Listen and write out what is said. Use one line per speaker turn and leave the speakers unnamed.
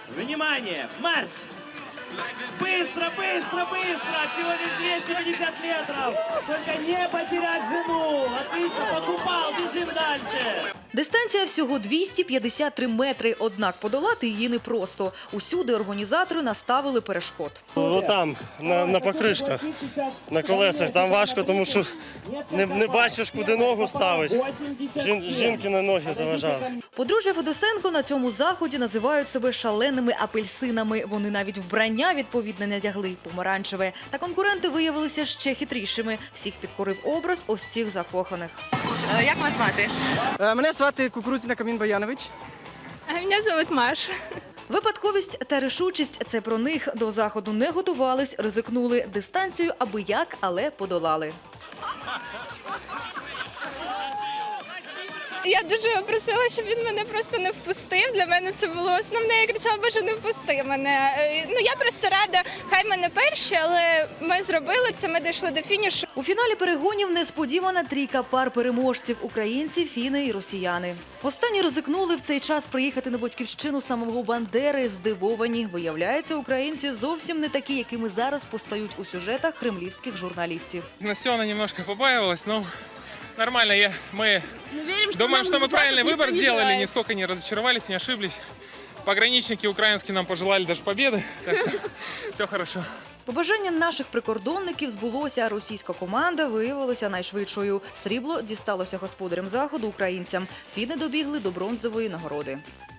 Внимание! Марш! Быстро, быстро, быстро! Всего лишь 250 метров! Только не потерять жену! Отлично, покупал, бежим дальше!
Дистанція всього 253 метри, однак подолати її непросто. Усюди організатори наставили перешкод.
Там, на покришках, на колесах, там важко, тому що не бачиш, куди ногу ставити. Жінки на ноги заважали.
Подружжя Федосенко на цьому заході називають себе шаленими апельсинами. Вони навіть вбрання відповідне надягли – помаранчеве. Та конкуренти виявилися ще хитрішими. Всіх підкорив образ ось цих закоханих. Як вас звати?
Мене звати Кукурудзіна Камін Баянович.
А мене звуть Маша.
Випадковість та рішучість – це про них. До заходу не готувались, ризикнули. Дистанцію аби як, але подолали.
Я дуже просила, щоб він мене просто не впустив. Для мене це було основне. Я кричала, Боже, не впусти мене. Я просто рада, хай мене перші, але ми зробили це, ми дійшли до фінішу.
У фіналі перегонів несподівана трійка пар переможців – українці, фіни і росіяни. Останні ризикнули в цей час приїхати на батьківщину самого Бандери. Здивовані. Виявляється, українці зовсім не такі, якими зараз постають у сюжетах кремлівських журналістів.
Настена немножко побаивалась, но нормально. Мы думаем, что мы правильный выбор сделали, нисколько не разочаровались, не ошиблись. Пограничники украинские нам пожелали даже победы, так что все хорошо.
Побажання наших прикордонників збулося. Російська команда виявилася найшвидшою. Срібло дісталося господарям заходу – українцям. Фіни добігли до бронзової нагороди.